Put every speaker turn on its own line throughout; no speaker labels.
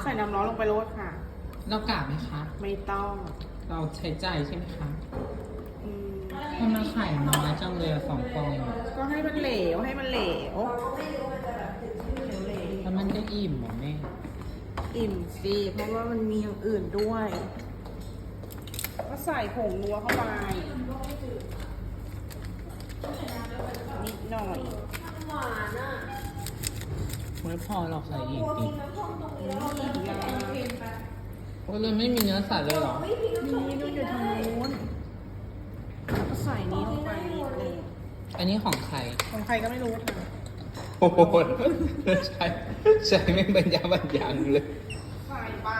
ส่น้ำร้อนลงไปโรยค่ะ
เรากาบไหมคะ
ไม่ต้อง
เราใช้ใจใช่ไหมคะ
อืม
ทำไมไข่น้อยจังเลยอะ2 ฟองเอง
ก็ให้มันเหลวให้มันเหลว
แล้วมันจะอิ่มเหรอแม่
อิ่มสิเพราะว่ามันมีอย่างอื่นด้วย ก็ใส่ผงนัวเข้าไปนิดหน่อย
ไม่พอหรอกใส่อีกดิ
ยา
โอ้ยเลยไม่มีเนื้อสัตว์เลยเหรอ
นี่ด้วยอยู่ทางนู้นแล้วก็ใส่นี้ลงไปนิดนึง
อันนี้ของใคร
ของใครก็ไม่รู้ค่ะ
โอ้โหใช้ไม่บรรยาบรรยังเลย
ใส่ไป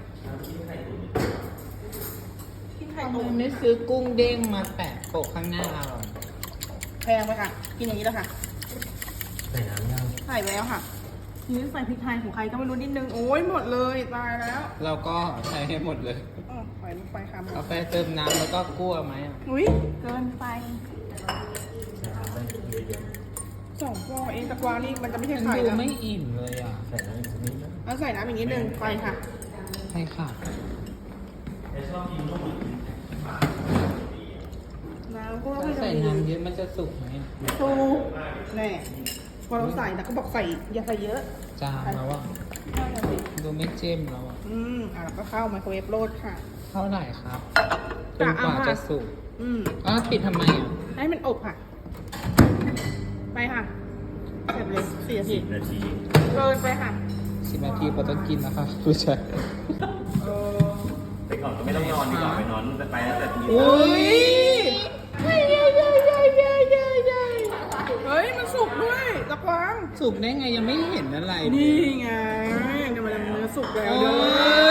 พี่ไข่
ทำไม
ตุ๋น
ไม่ซื้อกุ้งเด้งมาแปะโปะข้างหน้าเราอะ
แพงไปค่ะ กินอย่างนี้แล้วค่ะ
ใส่น้ำยัง
ใส่ไปแล้วค่ะทีนี้ใส่พริกไทยของใครก็ไม่รู้นิดนึง โอ้ยหมดเลยตายแล้ว
เราก็ใช้ให้หมดเลย
ใส่ลงไปค่ะหม
กา
ด
แฟเติมน้ำแล้วก็กลัวไหมอะ
อุ้ยเกินไป
ใส่น้ำได้เยอะ
2 ฟองเองแต่กวางนี่มันจะไม่ใช่
มัน
ไข่
ดู
นะ
ไม่อิ่มเลยอ่ะ
ๆใส่น้ำอีกสักนิดนะ
แล้วใส่น้ำอีกนิดนึงไปค่ะ
ใช่ค่ะ
น้ำก็
ถ้าใส่น้ำเยอะมันจะสุกไหม
สูแน่พอเราใส่แต่ก็บอกใส่อย่าใส่เยอะ
จางแล้วอ่ะ
นั่นน่ะสิ
ดูไม่เจ้มแล้วอ่ะ
แล้วก็เข้าไมโครเวฟโรดค่ะ
เท่าไหร่ครับจนกว่าจะสุก อ๋อปิดทำไมอ่ะ
ให้มันอบค่ะ ไปค่ะเสร็จเลย4 นาที
10 นาที
เกินไปค่ะ
10 นาทีพอต้องกินนะครับผู้ชาย
ไปก่อนก็ไม่ต้องนอนดีกว่าไปนอนไปตั้งแต่ตี
อุ้ย
เฮ้ย มันสุกด้วยตะกวาง
สุกได้ไงยังไม่เห็นอะไรเลย
นี่ไงเดี๋ยวมันเนื้อสุกแล้ว
โอ้
ด้วย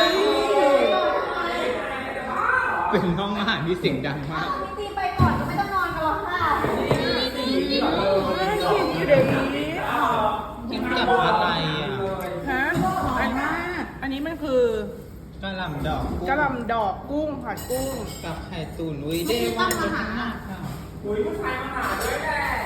เป็นห้องอาหารที่เสียงดังมาก
ตีไปก่อนก็ไม่ต้องนอนกันหรอกค่ะ
น่ากินอยู่เดี๋ยวนี้
กินกับอะไรอ่ะ
ฮะอันนี้มันคือก
ะหล่ำดอก
กะหล่ำดอกกุ้งผัดกุ้ง
กับไข่ตุ๋นอุ้ยได้ว่าเป็นหน้าค่ะ
อุ้ยผู้ชายมาหาด้วยแหละ